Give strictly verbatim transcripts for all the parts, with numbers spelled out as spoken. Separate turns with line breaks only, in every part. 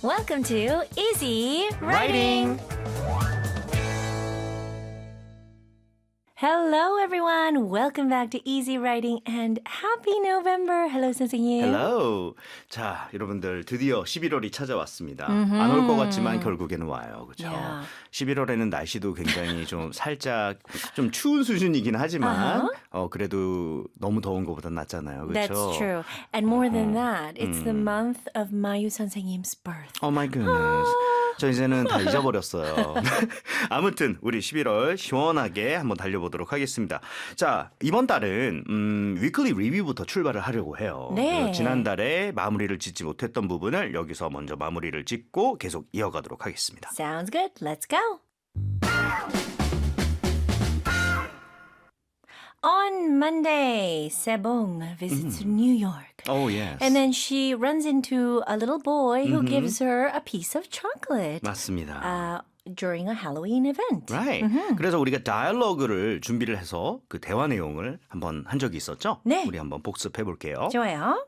Welcome to Easy Writing. Hello, everyone. Welcome back to Easy Writing and Happy November. Hello, 선생님.
Hello. 자, 여러분들 드디어 십일월이 찾아왔습니다. 안 올 것 같지만 결국에는 와요. 그렇죠?
Yeah.
십일월에는 날씨도 굉장히 좀 살짝 좀 추운 수준이긴 하지만
Uh-huh.
어 그래도 너무 더운 것보다 낫잖아요. 그렇죠?
That's true. And more than that, it's the month of 마유 선생님's birth.
Oh my goodness. 저 이제는 다 잊어버렸어요. 아무튼 우리 십일월 시원하게 한번 달려보도록 하겠습니다. 자, 이번 달은 음, 위클리 리뷰부터 출발을 하려고 해요.
네.
지난달에 마무리를 짓지 못했던 부분을 여기서 먼저 마무리를 짓고 계속 이어가도록 하겠습니다.
Sounds good. Let's go. On Monday, Sebong visits New York.
Oh, yes.
And then she runs into a little boy who gives her a piece of chocolate
맞습니다.
uh, during a Halloween event.
Right. 그래서 우리가 다이얼로그를 준비를 해서 그 대화 내용을 한번 한 적이 있었죠?
네.
우리 한번 복습해 볼게요.
좋아요.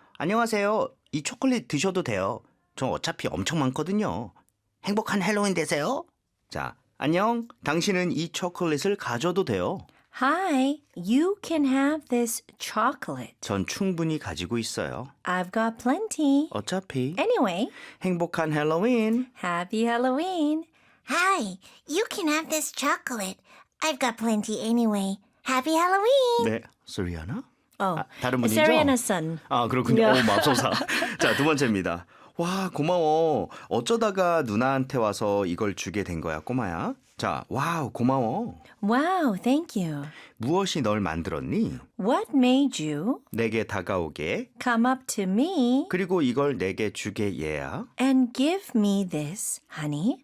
안녕하세요. 이 초콜릿 드셔도 돼요. 저 어차피 엄청 많거든요. 행복한 헬로윈 되세요. 자, 안녕. 당신은 이 초콜릿을 가져도 돼요.
Hi, you can have this chocolate.
전 충분히 가지고 있어요.
I've got plenty.
어차피
Anyway,
행복한 헬로윈.
happy Halloween.
Hi, you can have this chocolate. I've got plenty anyway. Happy Halloween!
네, 소리아나?
Oh,
아, 다른 분이죠?
Sariana's son.
아, 그렇군요.
야.
오, 맙소사. 자, 두 번째입니다. 와, 고마워. 어쩌다가 누나한테 와서 이걸 주게 된 거야, 꼬마야? 자, 와우, 고마워.
Wow, thank you.
무엇이 널 만들었니?
What made you
내게 다가오게.
come up to me
그리고 이걸 내게 주게, 얘야.
and give me this, honey?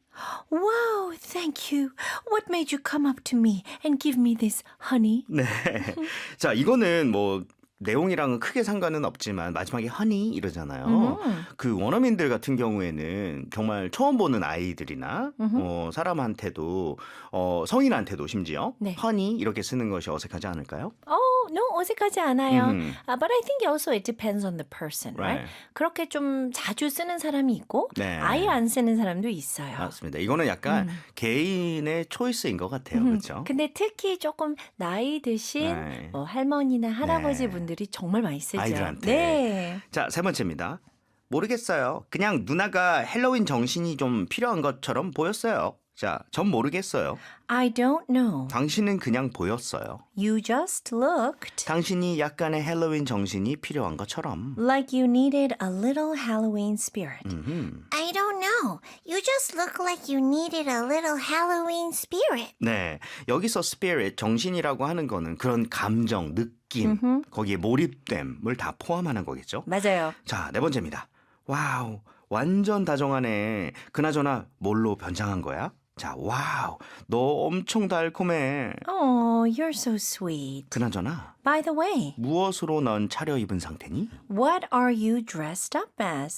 Wow, thank you. What made you come up to me and give me this, honey?
네. 자, 이거는 뭐 내용이랑은 크게 상관은 없지만 마지막에 허니 이러잖아요. 그 원어민들 같은 경우에는 정말 처음 보는 아이들이나 어, 사람한테도 어, 성인한테도 심지어
네.
허니 이렇게 쓰는 것이 어색하지 않을까요?
Oh, no, 어색하지 않아요.
음.
Uh, but I think also it depends on the person, right?
Right.
그렇게 좀 자주 쓰는 사람이 있고
네.
아예 안 쓰는 사람도 있어요.
맞습니다. 이거는 약간 개인의 초이스인 것 같아요. 그렇죠?
근데 특히 조금 나이 드신
네.
뭐 할머니나 할아버지
네.
분들이 정말 많이 쓰죠.
아이들한테.
네.
자, 세 번째입니다. 모르겠어요. 그냥 누나가 헬로윈 정신이 좀 필요한 것처럼 보였어요. 자, 전 모르겠어요.
I don't know.
당신은 그냥 보였어요.
You just looked
당신이 약간의 헬로윈 정신이 필요한 것처럼.
like you needed a little Halloween spirit.
I don't know. You just look like you needed a little Halloween spirit.
네, 여기서 spirit, 정신이라고 하는 거는 그런 감정, 느낌, 거기에 몰입됨을 다 포함하는 거겠죠.
맞아요.
자, 네 번째입니다. 와우, 완전 다정하네. 그나저나 뭘로 변장한 거야? 자, 와우, 너 엄청 달콤해.
Oh, you're so sweet.
그나저나
By the way,
무엇으로 넌 차려입은 상태니?
what are you dressed up as?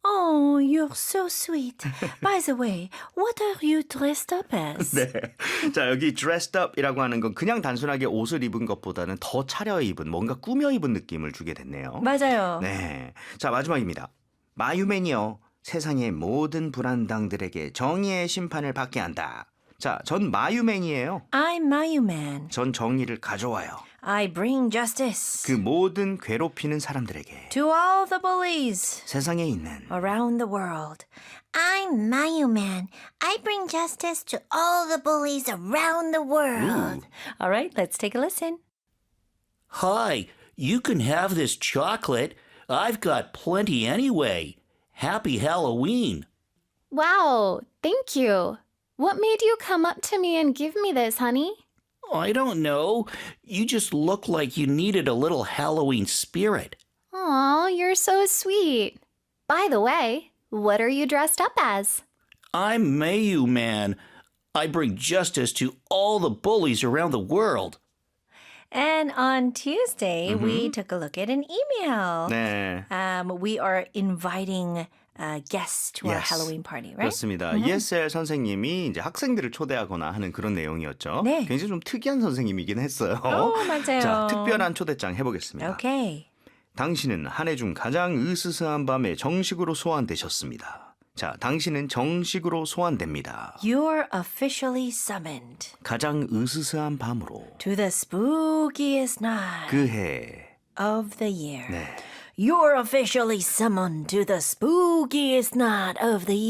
Oh, you're so sweet. By the way, what are you dressed up as?
네. 자, 여기 dressed up이라고 하는 건 그냥 단순하게 옷을 입은 것보다는 더 차려입은, 뭔가 꾸며 입은 느낌을 주게 됐네요.
맞아요.
네. 자, 마지막입니다. 마유맨이요. 세상의 모든 불안당들에게 정의의 심판을 받게 한다. 자, 전 마유맨이에요.
I'm Mayuman.
전 정의를 가져와요.
I bring justice
그 모든 괴롭히는 사람들에게
to all the bullies
세상에 있는
around the world.
I'm Mayuman. I bring justice to all the bullies around the world.
All right, let's take a listen.
Hi, you can have this chocolate. I've got plenty anyway. Happy Halloween.
Wow, thank you. What made you come up to me and give me this, honey?
I don't know. You just look like you needed a little Halloween spirit.
Aw, you're so sweet. By the way, what are you dressed up as?
I'm Mayu Man. I bring justice to all the bullies around the world.
And on Tuesday, we took a look at an email.
네.
Um, we are inviting uh, guests to our
Yes.
Halloween party, right?
그렇습니다. 이에스엘 선생님이 이제 학생들을 초대하거나 하는 그런 내용이었죠.
네.
굉장히 좀 특이한 선생님이긴 했어요.
오, 맞아요.
자, 특별한 초대장 해보겠습니다.
Okay.
당신은 한 해 중 가장 으스스한 밤에 정식으로 소환되셨습니다. 자, 당신은 정식으로 소환됩니다.
You're officially summoned
가장 으스스한 밤으로
to the spookiest night
그해.
of the year.
네.
You're officially summoned to the spookiest night of the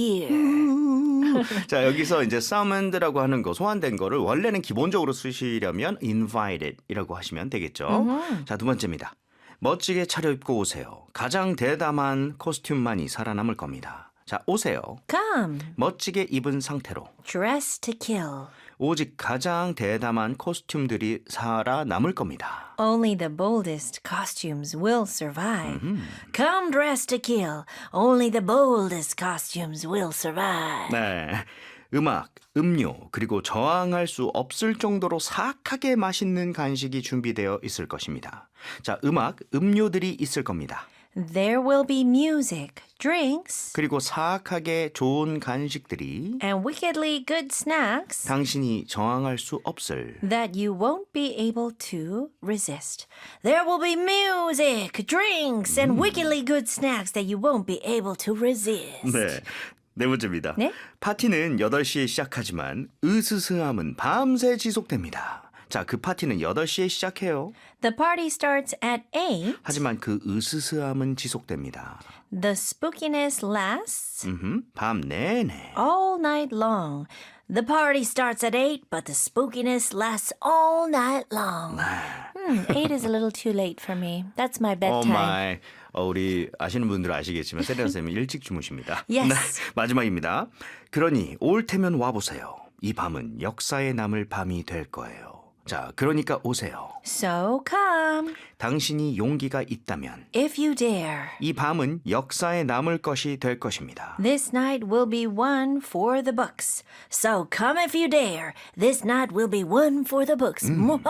year.
자, 여기서 이제 summoned라고 하는 거, 소환된 거를 원래는 기본적으로 쓰시려면 invited이라고 하시면 되겠죠. 자, 두 번째입니다. 멋지게 차려입고 오세요. 가장 대담한 코스튬만이 살아남을 겁니다. 자, 오세요.
Come,
멋지게 입은 상태로
dress to kill.
오직 가장 대담한 코스튬들이 살아남을 겁니다.
Only the boldest costumes will survive. Come dressed to kill. Only the boldest costumes will survive.
네. 음악, 음료, 그리고 저항할 수 없을 정도로 사악하게 맛있는 간식이 준비되어 있을 것입니다. 자, 음악, 음료들이 있을 겁니다.
There will be music, drinks,
그리고 사악하게 좋은 간식들이
and wickedly good snacks
당신이 저항할 수 없을.
that you won't be able to resist. There will be music, drinks, and wickedly good snacks that you won't be able to resist.
네. 네 번째입니다.
네?
파티는 여덟 시에 시작하지만 으스스함은 밤새 지속됩니다. 자, 그 파티는 여덟 시에 시작해요.
The party starts at eight.
하지만 그 으스스함은 지속됩니다.
The spookiness lasts
음흠, 밤 내내.
all night long. The party starts at eight, but the spookiness lasts all night long. Hmm, eight is a little too late for me. That's my
오
bedtime.
마이. 어, 우리 아시는 분들은 아시겠지만 세리나 쌤은 일찍 주무십니다.
Yes.
네, 마지막입니다. 그러니 올 테면 와보세요. 이 밤은 역사에 남을 밤이 될 거예요. 자, 그러니까 오세요.
So come,
당신이 용기가 있다면
if you dare.
이 밤은 역사에 남을 것이 될 것입니다.
This night will be one for the books. So come if you dare. This night will be one for the books.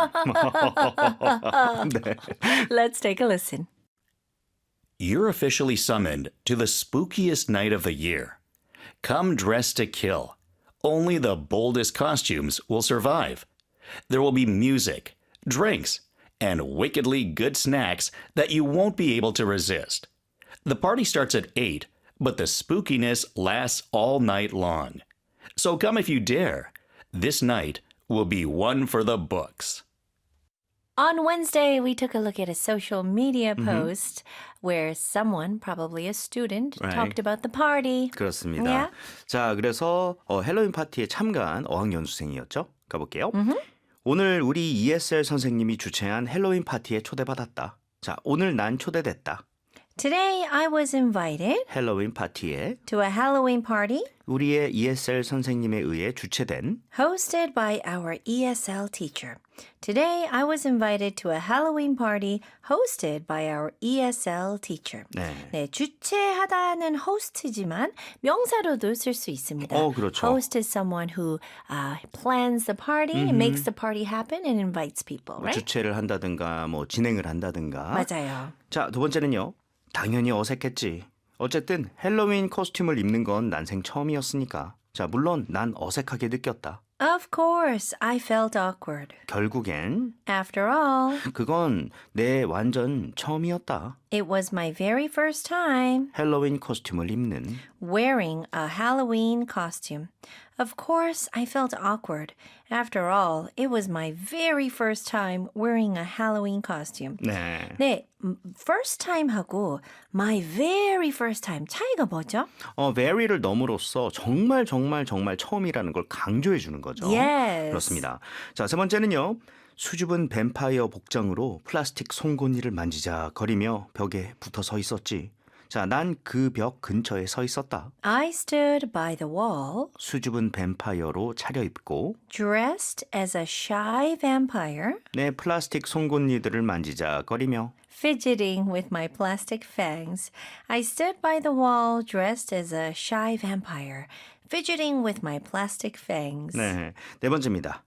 Let's take a listen.
You're officially summoned to the spookiest night of the year. Come dressed to kill. Only the boldest costumes will survive. There will be music, drinks, and wickedly good snacks that you won't be able to resist. The party starts at eight, but the spookiness lasts all night long. So come if you dare. This night will be one for the books.
On Wednesday, we took a look at a social media post where someone, probably a student,
Right.
talked about the party.
그렇습니다.
Yeah.
자, 그래서 어, 헬로윈 파티에 참가한 어학연수생이었죠. 가볼게요. 오늘 우리 이에스엘 선생님이 주최한 헬로윈 파티에 초대받았다. 자, 오늘 난 초대됐다.
Today, I was invited
헬로윈 파티에
to a Halloween party
우리의 이에스엘 선생님에 의해 주최된
hosted by our E S L teacher. Today, I was invited to a Halloween party hosted by our E S L teacher.
네.
네, 주최하다는 host지만 명사로도 쓸 수 있습니다.
어, 그렇죠.
Host is someone who uh, plans the party, makes the party happen, and invites people, right?
주최를 한다든가 뭐 진행을 한다든가.
맞아요.
자, 두 번째는요. 당연히 어색했지. 어쨌든 헬로윈 코스튬을 입는 건 난생 처음이었으니까. 자, 물론 난 어색하게 느꼈다.
Of course, I felt awkward.
결국엔
After all,
그건 내 완전 처음이었다.
it was my very first time
헬로윈 코스튬을 입는.
wearing a Halloween costume. Of course, I felt awkward. After all, it was my very first time wearing a Halloween costume.
네.
네, 음, first time하고 my very first time 차이가 뭐죠?
어, very를 넘으로써 정말 정말 정말 처음이라는 걸 강조해 주는 거죠.
Yes.
그렇습니다. 자, 세 번째는요. 수줍은 뱀파이어 복장으로 플라스틱 송곳니를 만지작거리며 벽에 붙어 서 있었지. 자, 난 그 벽 근처에 서 있었다.
I stood by the wall,
수줍은 뱀파이어로 차려입고
dressed as a shy vampire,
내 플라스틱 송곳니들을 만지작거리며
fidgeting with my plastic fangs. I stood by the wall, dressed as a shy vampire, fidgeting with my plastic fangs.
네, 네 번째입니다.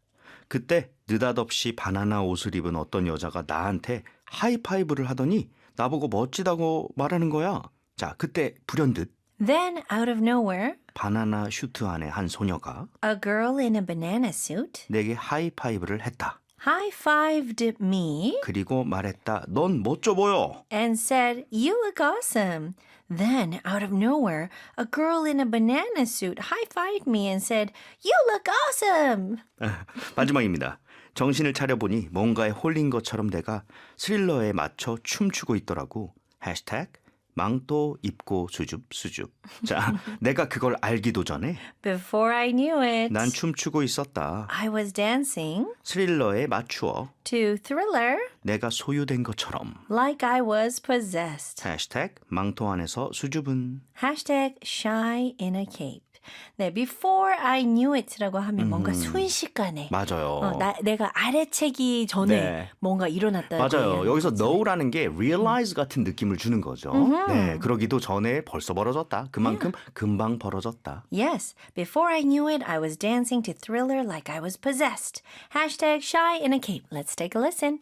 그때 느닷없이 바나나 옷을 입은 어떤 여자가 나한테 하이파이브를 하더니 나보고 멋지다고 말하는 거야. 자, 그때 불현듯
Then, out of nowhere,
바나나 슈트 안에 한 소녀가
a girl in a banana suit
내게 하이파이브를 했다.
high-fived me
그리고 말했다. 넌 멋져 보여.
and said, "You look awesome." Then, out of nowhere, a girl in a banana suit high-fived me and said, "You look awesome."
마지막입니다. 정신을 차려보니 뭔가에 홀린 것처럼 내가 스릴러에 맞춰 춤추고 있더라고. 해시태그 망토 입고 수줍 수줍. 자, 내가 그걸 알기도 전에
Before I knew it,
난 춤추고 있었다.
I was dancing
스릴러에 맞추어
to Thriller
내가 소유된 것처럼.
like I was possessed.
해시태그 망토 안에서 수줍은.
Hashtag shy in a cape. 네, before I knew it라고 하면 뭔가 순식간에
맞아요.
어, 나, 내가 알아채기 전에
네.
뭔가 일어났다.
맞아요. 여기서 know라는 게 realize 같은 느낌을 주는 거죠. 네, 그러기도 전에 벌써 벌어졌다. 그만큼 금방 벌어졌다.
Yes, before I knew it, I was dancing to Thriller like I was possessed. Hashtag shy in a cape. Let's take a listen.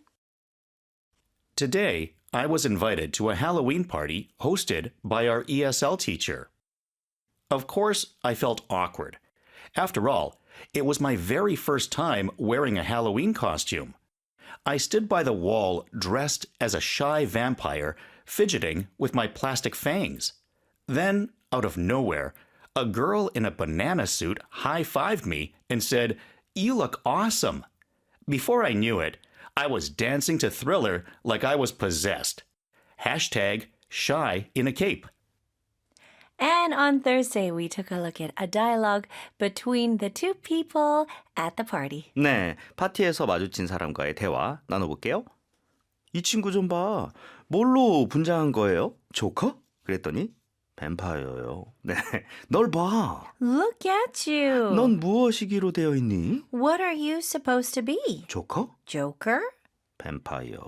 Today, I was invited to a Halloween party hosted by our E S L teacher. Of course, I felt awkward. After all, it was my very first time wearing a Halloween costume. I stood by the wall dressed as a shy vampire, fidgeting with my plastic fangs. Then, out of nowhere, a girl in a banana suit high-fived me and said, "You look awesome." Before I knew it, I was dancing to Thriller like I was possessed. Hashtag shy in a cape.
And on Thursday, we took a look at a dialogue between the two people at the party.
네, 파티에서 마주친 사람과의 대화 나눠볼게요. 이 친구 좀 봐. 뭘로 분장한 거예요? 조커? 그랬더니 뱀파이어요. 네, 널 봐.
Look at you.
넌 무엇이기로 되어 있니?
What are you supposed to be?
조커?
Joker?
뱀파이어.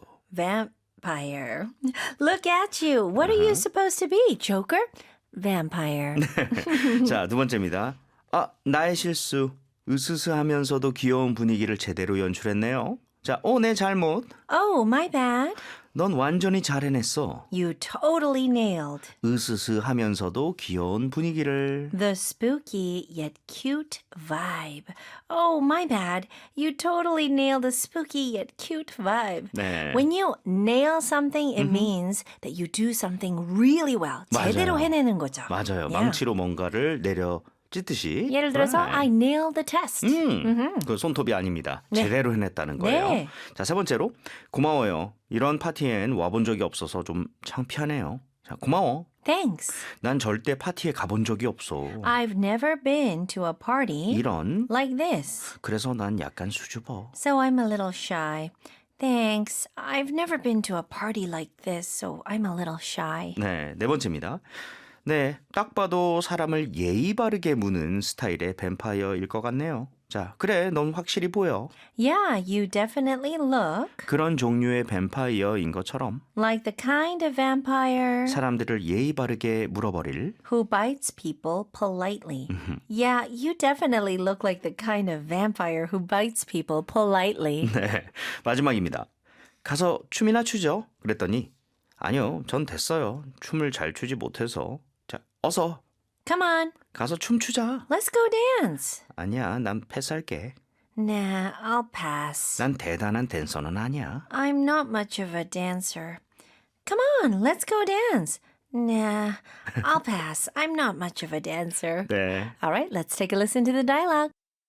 Vampire. Look at you. What are you supposed to be? Joker? Vampire.
자, 두 번째입니다. 아, 나의 실수. 으스스하면서도 귀여운 분위기를 제대로 연출했네요. 자, 어, 내 잘못.
Oh, my bad.
넌 완전히 잘 해냈어.
You totally nailed
으스스하면서도 귀여운 분위기를.
the spooky yet cute vibe. Oh, my bad. You totally nailed the spooky yet cute vibe.
네.
When you nail something, it means that you do something really well. 제대로
맞아요.
해내는 거죠.
맞아요.
Yeah.
망치로 뭔가를 내려 찢듯이.
예를 들어서
Right.
I nailed the test.
음, 그 손톱이 아닙니다.
네.
제대로 해냈다는 거예요.
네.
자, 세 번째로 고마워요. 이런 파티엔 와본 적이 없어서 좀 창피하네요. 자, 고마워.
Thanks.
난 절대 파티에 가본 적이 없어.
I've never been to a party
이런.
like this.
그래서 난 약간 수줍어.
So I'm a little shy. Thanks. I've never been to a party like this, so I'm a little shy.
네, 네 번째입니다. 네, 딱 봐도 사람을 예의 바르게 무는 스타일의 뱀파이어일 것 같네요. 자, 그래, 넌 확실히 보여.
Yeah, you definitely look
그런 종류의 뱀파이어인 것처럼
like the kind of vampire
사람들을 예의 바르게 물어버릴.
who bites people politely. Yeah, you definitely look like the kind of vampire who bites people politely.
네, 마지막입니다. 가서 춤이나 추죠? 그랬더니 아니요, 전 됐어요. 춤을 잘 추지 못해서. 자, 어서
Come on,
가서 춤추자.
let's go dance.
아니야, 난 패스할게.
Nah, I'll pass.
난 대단한 댄서는 아니야.
I'm not much of a dancer. Come on, let's go dance. Nah, I'll pass. I'm not much of a dancer.
네.
All right, let's take a listen to the dialogue.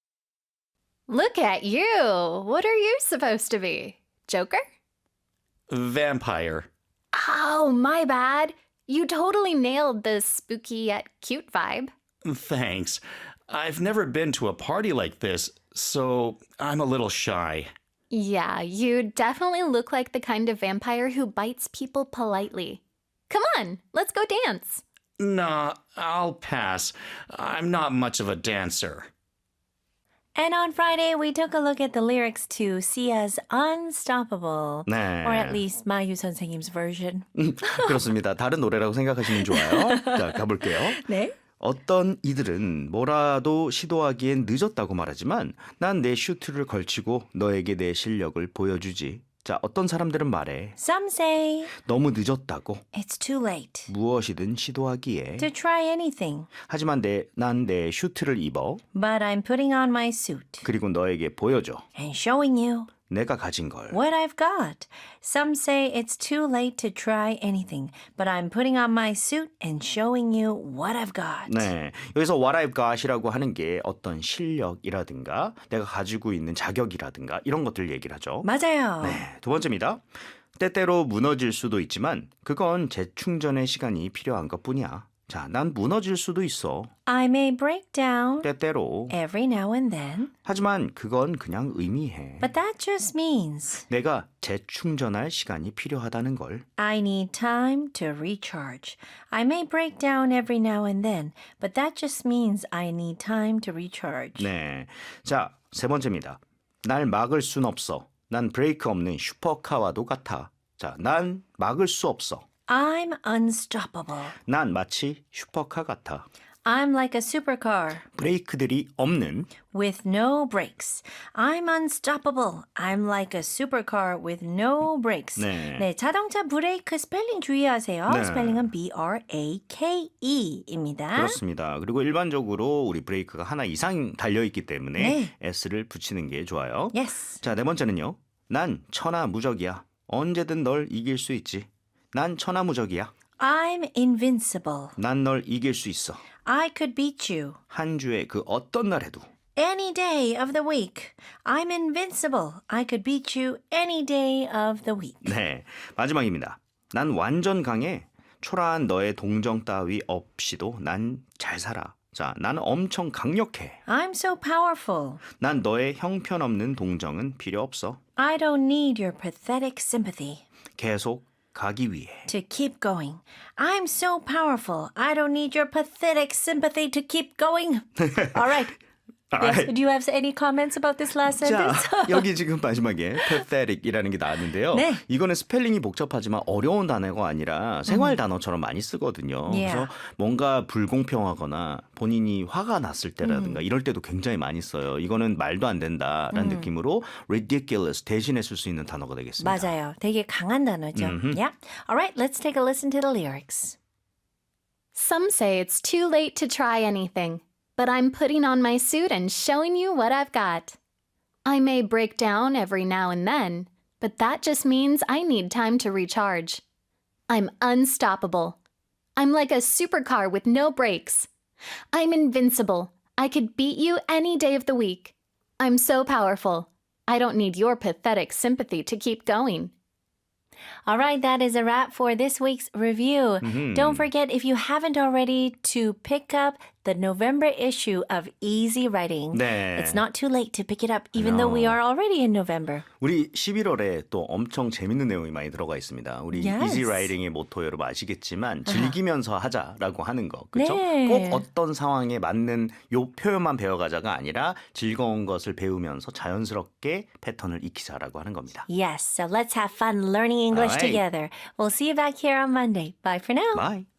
Look at you. What are you supposed to be? Joker?
Vampire.
Oh, my bad. You totally nailed the spooky yet cute vibe.
Thanks. I've never been to a party like this, so I'm a little shy.
Yeah, you definitely look like the kind of vampire who bites people politely. Come on, let's go dance.
Nah, I'll pass. I'm not much of a dancer.
And on Friday, we took a look at the lyrics to Sia's Unstoppable.
네.
Or at least 마유 선생님's version.
그렇습니다. 다른 노래라고 생각하시면 좋아요. 자, 가볼게요.
네.
어떤 이들은 뭐라도 시도하기엔 늦었다고 말하지만 난 내 슈트를 걸치고 너에게 내 실력을 보여주지. 자, 어떤 사람들은 말해.
Some say
너무 늦었다고.
it's too late
무엇이든 시도하기에.
to try anything,
하지만 내, 난 내 슈트를 입어.
but I'm putting on my suit
그리고 너에게 보여줘.
and showing you
내가 가진 걸.
What I've got. Some say it's too late to try anything, but I'm putting on my suit and showing you what I've got.
네, 여기서 what I've got이라고 하는 게 어떤 실력이라든가 내가 가지고 있는 자격이라든가 이런 것들 얘기를 하죠.
맞아요.
네, 두 번째입니다. 때때로 무너질 수도 있지만 그건 재충전의 시간이 필요한 것뿐이야. 자, 난 무너질 수도 있어.
I may break down
때때로.
every now and then,
하지만 그건 그냥 의미해.
but that just means
내가 재충전할 시간이 필요하다는 걸.
I need time to recharge. I may break down every now and then, but that just means I need time to recharge.
네, 자, 세 번째입니다. 날 막을 순 없어. 난 브레이크 없는 슈퍼카와도 같아. 자, 난 막을 수 없어.
I'm unstoppable.
난 마치 슈퍼카 같아.
I'm like a supercar
브레이크들이 없는.
with no brakes. I'm unstoppable. I'm like a supercar with no brakes.
네.
네, 자동차 브레이크 스펠링 주의하세요.
네.
스펠링은 B-R-A-K-E입니다.
그렇습니다. 그리고 일반적으로 우리 브레이크가 하나 이상 달려있기 때문에
네.
S를 붙이는 게 좋아요.
Yes.
자, 네 번째는요. 난 천하무적이야. 언제든 널 이길 수 있지. 난 천하무적이야.
I'm invincible.
난 널 이길 수 있어.
I could beat you.
한 주에 그 어떤 날에도.
Any day of the week. I'm invincible. I could beat you any day of the week.
네, 마지막입니다. 난 완전 강해. 초라한 너의 동정 따위 없이도 난 잘 살아. 자, 나는 엄청 강력해.
I'm so powerful.
난 너의 형편없는 동정은 필요 없어.
I don't need your pathetic sympathy
계속 가기 위해.
to keep going. I'm so powerful. I don't need your pathetic sympathy to keep going. All right. Yes. Do you have any comments about this last
자,
sentence?
여기 지금 마지막에 pathetic이라는 게 나왔는데요.
네.
이거는 스펠링이 복잡하지만 어려운 단어가 아니라 생활 단어처럼 많이 쓰거든요.
Yeah.
그래서 뭔가 불공평하거나 본인이 화가 났을 때라든가 이럴 때도 굉장히 많이 써요. 이거는 말도 안 된다라는 느낌으로 ridiculous 대신에 쓸 수 있는 단어가 되겠습니다.
맞아요. 되게 강한 단어죠. Yeah. All right. Let's take a listen to the lyrics.
Some say it's too late to try anything, but I'm putting on my suit and showing you what I've got. I may break down every now and then, but that just means I need time to recharge. I'm unstoppable. I'm like a supercar with no brakes. I'm invincible. I could beat you any day of the week. I'm so powerful. I don't need your pathetic sympathy to keep going.
All right, that is a wrap for this week's review.
Mm-hmm.
Don't forget, if you haven't already, to pick up the November issue of Easy Writing.
네.
It's not too late to pick it up, even though we are already in November.
우리 십일월에 또 엄청 재밌는 내용이 많이 들어가 있습니다. 우리
Yes.
이지 라이딩의 모토 여러분 아시겠지만 즐기면서 하자라고 하는 거. 그렇죠?
네.
꼭 어떤 상황에 맞는 요 표현만 배워가자가 아니라 즐거운 것을 배우면서 자연스럽게 패턴을 익히자라고 하는 겁니다.
Yes, so let's have fun learning English
All right.
together. We'll see you back here on Monday. Bye for now.
Bye.